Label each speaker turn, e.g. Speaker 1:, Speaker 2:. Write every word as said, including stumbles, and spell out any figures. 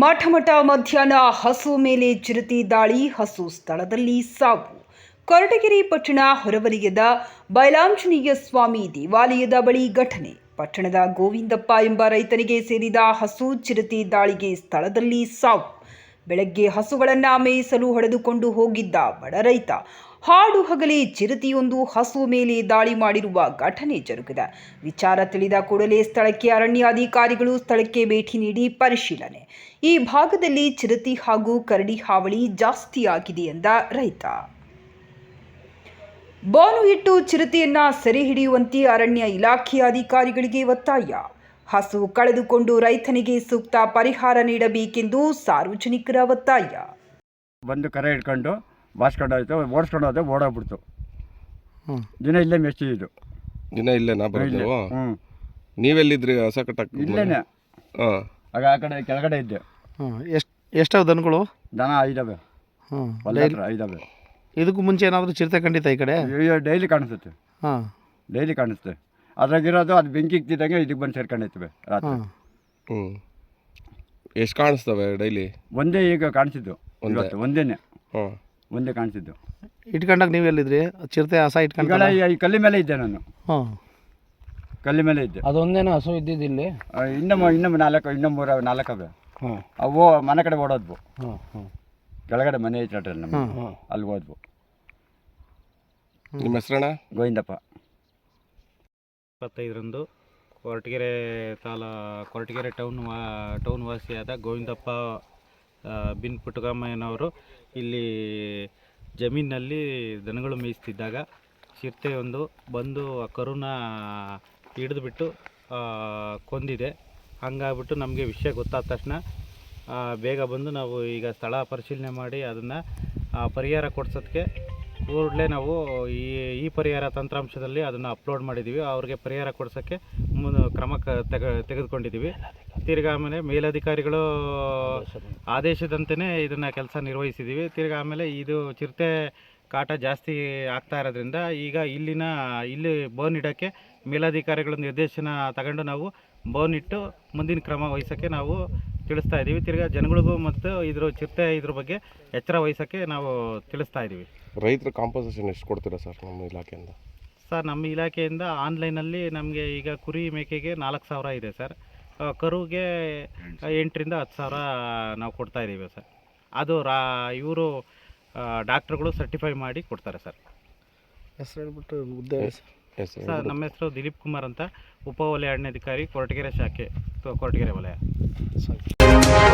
Speaker 1: ಮಠಮಠ ಮಧ್ಯಾಹ್ನ ಹಸು ಮೇಲೆ ಚಿರತೆ ದಾಳಿ, ಹಸು ಸ್ಥಳದಲ್ಲಿ ಸಾವು. ಕೊರಟಗೆರೆ ಪಟ್ಟಣ ಹೊರವಲಯದ ಬೈಲಾಂಜನೇಯ ಸ್ವಾಮಿ ದೇವಾಲಯದ ಬಳಿ ಘಟನೆ. ಪಟ್ಟಣದ ಗೋವಿಂದಪ್ಪ ಎಂಬ ರೈತನಿಗೆ ಸೇರಿದ ಹಸು ಚಿರತೆ ದಾಳಿಗೆ ಸ್ಥಳದಲ್ಲಿ ಸಾವು. ಬೆಳಗ್ಗೆ ಹಸುಗಳನ್ನು ಮೇಯಿಸಲು ಹೊಡೆದುಕೊಂಡು ಹೋಗಿದ್ದ ಬಡ ರೈತ ಹಾಡು ಹಗಲೇ ಚಿರತೆಯೊಂದು ಹಸು ಮೇಲೆ ದಾಳಿ ಮಾಡಿರುವ ಘಟನೆ ಜರುಗಿದೆ. ವಿಚಾರ ತಿಳಿದ ಕೂಡಲೇ ಸ್ಥಳಕ್ಕೆ ಅರಣ್ಯಾಧಿಕಾರಿಗಳು ಸ್ಥಳಕ್ಕೆ ಭೇಟಿ ನೀಡಿ ಪರಿಶೀಲನೆ. ಈ ಭಾಗದಲ್ಲಿ ಚಿರತೆ ಹಾಗೂ ಕರಡಿ ಹಾವಳಿ ಜಾಸ್ತಿ ಆಗಿದೆ ಎಂದ ರೈತ. ಬೋನು ಇಟ್ಟು ಚಿರತೆಯನ್ನ ಸೆರೆ ಹಿಡಿಯುವಂತೆ ಅರಣ್ಯ ಇಲಾಖೆ ಅಧಿಕಾರಿಗಳಿಗೆ ಒತ್ತಾಯ. ಹಸು ಕಳೆದುಕೊಂಡು ರೈತನಿಗೆ ಸೂಕ್ತ ಪರಿಹಾರ ನೀಡಬೇಕೆಂದು ಸಾರ್ವಜನಿಕರ ಒತ್ತಾಯ.
Speaker 2: ಬಂದು ಕರೆ ಹಿಡ್ಕೊಂಡು ಬಾಸ್ಕೊಂಡು ಆಯಿತು, ಓಡಿಸ್ಕೊಂಡು ಹೋದೆ, ಓಡೋಗ್ಬಿಡ್ತು. ದಿನ ಇಲ್ಲೇ ಮೆಚ್ಚಿದ್ದು.
Speaker 3: ದಿನ ಇಲ್ಲೇ ನಾ ಬರೋದು.
Speaker 2: ಹ್ಞೂ
Speaker 3: ನೀವೆಲ್ಲಿದ್ರಿ? ಹೊಸ ಕಟ್ಟಕ್ಕೆ
Speaker 2: ಇಲ್ಲೇನೆ.
Speaker 3: ಹಾಂ,
Speaker 2: ಆಗ ಆ ಕಡೆ ಕೆಳಗಡೆ ಇದ್ದೆ.
Speaker 4: ಹಾಂ, ಎಷ್ಟು ಎಷ್ಟಾವ ದನಗಳು?
Speaker 2: ದನ ಐದವೆ.
Speaker 4: ಹಾಂ,
Speaker 2: ಹೊಲ ಹತ್ರ ಐದವೆ.
Speaker 4: ಇದಕ್ಕೂ ಮುಂಚೆ ಏನಾದರೂ ಚಿರತೆ ಖಂಡಿತ ಈ ಕಡೆ?
Speaker 2: ಅಯ್ಯೋ, ಡೈಲಿ ಕಾಣಿಸುತ್ತೆ.
Speaker 4: ಹಾಂ,
Speaker 2: ಡೈಲಿ ಕಾಣಿಸುತ್ತೆ. ಅದ್ರಾಗಿರೋದು ಅದು ಬೆಂಕಿ ಇಕ್ತಿದ್ದಂಗೆ ಇದಕ್ಕೆ ಬಂದು ಸೇರ್ಕೊಂಡಿರ್ತವೆ ರಾತ್ರಿ.
Speaker 4: ಹಾಂ.
Speaker 3: ಹ್ಞೂ, ಎಷ್ಟು ಕಾಣಿಸ್ತವೆ ಡೈಲಿ?
Speaker 2: ಒಂದೇ ಈಗ ಕಾಣಿಸಿದ್ದು, ಇವತ್ತು ಒಂದೇನೆ.
Speaker 3: ಹಾಂ,
Speaker 2: ಒಂದೇ ಕಾಣಿಸಿದ್ದು.
Speaker 4: ಇಟ್ಕೊಂಡಾಗ ನೀವು ಎಲ್ಲಿದ್ರಿ? ಚಿರತೆ ಹಸ ಇಟ್ಕೊಂಡ
Speaker 2: ಈ ಕಲ್ಲಿ ಮೇಲೆ ಇದ್ದೆ ನಾನು.
Speaker 4: ಹಾಂ,
Speaker 2: ಕಲ್ಲಿ ಮೇಲೆ ಇದ್ದೆ.
Speaker 5: ಅದೊಂದೇನೋ ಹಸು ಇದ್ದಿದ್ದಿಲ್ಲಿ?
Speaker 2: ಇನ್ನೊಮ್ಮೆ ಇನ್ನೊಮ್ಮೆ ನಾಲ್ಕು ಇನ್ನೊಮ್ಮೆ ಮೂರು ನಾಲ್ಕವೆ.
Speaker 5: ಹಾಂ,
Speaker 2: ಅವು ಮನೆ ಕಡೆ ಓಡೋದ್ವು.
Speaker 5: ಹಾಂ ಹಾಂ
Speaker 2: ಕೆಳಗಡೆ ಮನೆ ಐತೆ ನಮ್ಮ, ಅಲ್ಲಿ ಹೋದ್ವು.
Speaker 3: ನಿಮ್ಮ ಹೆಸರಣ್ಣ?
Speaker 2: ಗೋವಿಂದಪ್ಪ.
Speaker 6: ಇಪ್ಪತ್ತೈದರಂದು ಕೊರಟಗೆರೆ ತಾಲಾ ಕೊರಟಗೆರೆ ಟೌನ್ ವಾ ಟೌನ್ ವಾಸಿಯಾದ ಗೋವಿಂದಪ್ಪ ಬಿನ್ ಪುಟ್ಟಗಮ್ಮಯ್ಯನವರು ಇಲ್ಲಿ ಜಮೀನಿನಲ್ಲಿ ದನಗಳು ಮೇಯಿಸ್ತಿದ್ದಾಗ ಚಿರತೆಯೊಂದು ಬಂದು ಆ ಕರುನ ಹಿಡಿದುಬಿಟ್ಟು ಕೊಂದಿದೆ. ಹಂಗಾಗ್ಬಿಟ್ಟು ನಮಗೆ ವಿಷಯ ಗೊತ್ತಾದ ತಕ್ಷಣ ಬೇಗ ಬಂದು ನಾವು ಈಗ ಸ್ಥಳ ಪರಿಶೀಲನೆ ಮಾಡಿ ಅದನ್ನು ಪರಿಹಾರ ಕೊಡ್ಸೋದಕ್ಕೆ ಕೂಡಲೇ ನಾವು ಈ ಈ ಪರಿಹಾರ ತಂತ್ರಾಂಶದಲ್ಲಿ ಅದನ್ನು ಅಪ್ಲೋಡ್ ಮಾಡಿದ್ದೀವಿ. ಅವ್ರಿಗೆ ಪರಿಹಾರ ಕೊಡ್ಸೋಕ್ಕೆ ಮುನ್ ಕ್ರಮ ತೆಗ ತೆಗೆದುಕೊಂಡಿದ್ದೀವಿ. ತಿರ್ಗಿ ಆಮೇಲೆ ಮೇಲಧಿಕಾರಿಗಳು ಆದೇಶದಂತೆಯೇ ಇದನ್ನು ಕೆಲಸ ನಿರ್ವಹಿಸಿದ್ದೀವಿ. ತಿರ್ಗಿ ಆಮೇಲೆ ಇದು ಚಿರತೆ ಕಾಟ ಜಾಸ್ತಿ ಆಗ್ತಾ ಇರೋದ್ರಿಂದ ಈಗ ಇಲ್ಲಿನ ಇಲ್ಲಿ ಬೋನ್ ಇಡೋಕ್ಕೆ ಮೇಲಧಿಕಾರಿಗಳ ನಿರ್ದೇಶನ ತಗೊಂಡು ನಾವು ಬೋನ್ ಇಟ್ಟು ಮುಂದಿನ ಕ್ರಮ ವಹಿಸೋಕ್ಕೆ ನಾವು ತಿಳಿಸ್ತಾ ಇದ್ದೀವಿ. ತಿರ್ಗಿ ಜನಗಳಿಗೂ ಮತ್ತು ಇದ್ರ ಚಿರತೆ ಇದ್ರ ಬಗ್ಗೆ ಎಚ್ಚರ ವಹಿಸೋಕ್ಕೆ ನಾವು ತಿಳಿಸ್ತಾ ಇದ್ದೀವಿ.
Speaker 3: ರೈತರ ಕಾಂಪನ್ಸೇಷನ್ ಎಷ್ಟು ಕೊಡ್ತೀರಾ ಸರ್ ನಮ್ಮ ಇಲಾಖೆಯಿಂದ?
Speaker 6: ಸರ್, ನಮ್ಮ ಇಲಾಖೆಯಿಂದ ಆನ್ಲೈನಲ್ಲಿ ನಮಗೆ ಈಗ ಕುರಿ ಮೇಕೆಗೆ ನಾಲ್ಕು ಸಾವಿರ ಇದೆ ಸರ್. ಕರುಗೆ ಎಂಟರಿಂದ ಹತ್ತು ಸಾವಿರ ನಾವು ಕೊಡ್ತಾ ಇದ್ದೀವಿ ಸರ್. ಅದು ರಾ ಇವರು ಡಾಕ್ಟ್ರುಗಳು ಸರ್ಟಿಫೈ ಮಾಡಿ ಕೊಡ್ತಾರೆ ಸರ್.
Speaker 4: ಹೆಸರು ಹೇಳ್ಬಿಟ್ಟು ಹುದ್ದೆ
Speaker 6: ಸರ್, ನಮ್ಮ ಹೆಸರು ದಿಲೀಪ್ ಕುಮಾರ್ ಅಂತ, ಉಪ ವಲಯ ಅರಣ್ಯಾಧಿಕಾರಿ ಕೊರಟಗೆರೆ ಶಾಖೆ, ಕೊರಟಗೆರೆ ವಲಯ.